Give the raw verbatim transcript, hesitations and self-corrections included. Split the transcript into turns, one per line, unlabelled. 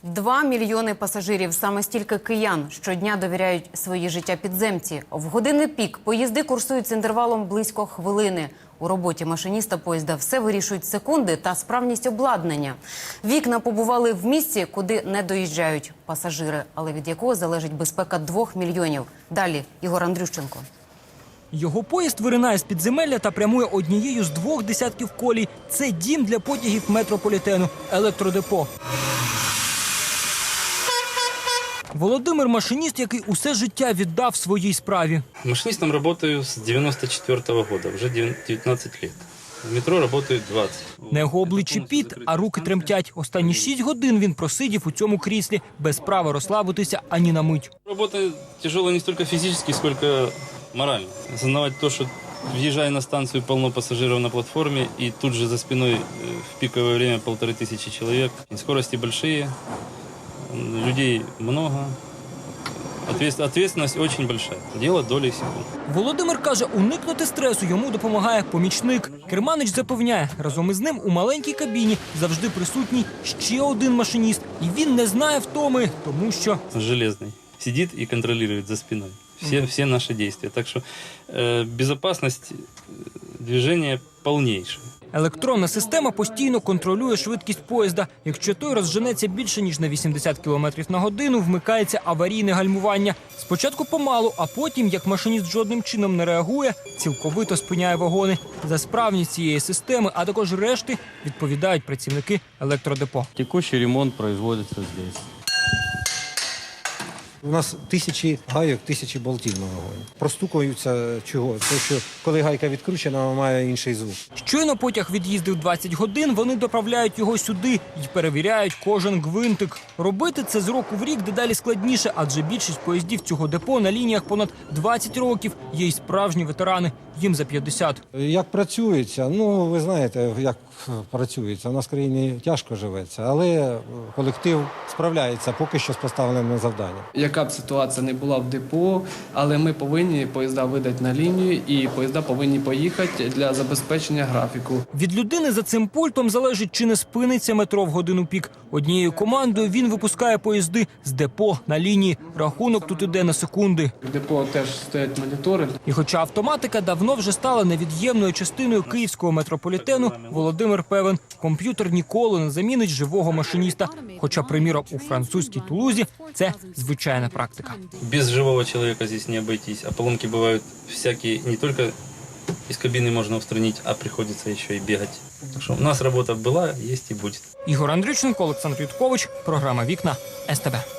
Два мільйони пасажирів, саме стільки киян, щодня довіряють свої життя підземці. В години пік поїзди курсують з інтервалом близько хвилини. У роботі машиніста поїзда все вирішують секунди та справність обладнання. Вікна побували в місці, куди не доїжджають пасажири, але від якого залежить безпека двох мільйонів. Далі Ігор Андрющенко.
Його поїзд виринає з підземелля та прямує однією з двох десятків колій. Це дім для потягів метрополітену – електродепо. Володимир – машиніст, який усе життя віддав своїй справі.
Машинистом работаю с девяносто четвёртого года, уже девятнадцать лет. В метро работаю двадцать.
На його обличчі піт, а руки тремтять. Останні шість годин він просидів у цьому кріслі, без права розслабитися ані на мить.
Работа тяжелая не столько физически, сколько морально. Осознавать то, что въезжая на станцию, полно пассажиров на платформе, и тут же за спиной э, в пиковое время полторы тысячи человек. И скорости большие, людей много. Ответственность очень большая. Дело долей секунд.
Володимир каже, уникнути стресу йому допомагає помічник. Керманич запевняє, разом із ним у маленькій кабіні завжди присутній ще один машиніст. І він не знає втоми, тому що...
Железный. Сидит и контролирует за спиной все, все наши действия. Так что э, безопасность движения полнейшая.
Електронна система постійно контролює швидкість поїзда. Якщо той розженеться більше, ніж на вісімдесят кілометрів на годину, вмикається аварійне гальмування. Спочатку помалу, а потім, як машиніст жодним чином не реагує, цілковито спиняє вагони. За справність цієї системи, а також решти, відповідають працівники електродепо.
Текущий ремонт производится здесь.
У нас тисячі гайок, тисячі болтів на вагоні. Простукуються чого? Те, що коли гайка відкручена, має інший звук.
Щойно потяг від'їздив двадцять годин, вони доправляють його сюди і перевіряють кожен гвинтик. Робити це з року в рік дедалі складніше, адже більшість поїздів цього депо на лініях понад двадцять років. Є й справжні ветерани, їм за п'ятдесят.
Як працюється? Ну, ви знаєте, як працюється. У нас в країні тяжко живеться, але колектив справляється поки що з поставленим завданням.
Яка б ситуація не була в депо, але ми повинні поїзда видати на лінію і поїзда повинні поїхати для забезпечення графіку.
Від людини за цим пультом залежить, чи не спиниться метро в годину пік. Однією командою він випускає поїзди з депо на лінії. Рахунок тут іде на секунди.
В депо теж стоять монітори.
І хоча автоматика давно вже стала невід'ємною частиною київського метрополітену, Володимир певен, комп'ютер ніколи не замінить живого машиніста. Хоча, приміром, у французькій Тулузі це звичайна практика.
Без живого человека здесь не обойтись. А поломки бывают всякие, не только из кабины можно устранить, а приходится еще и бегать. Так что у нас работа была, есть и будет.
Ігор Андрющенко, Олександр Юткович, програма «Вікна», ес те бе.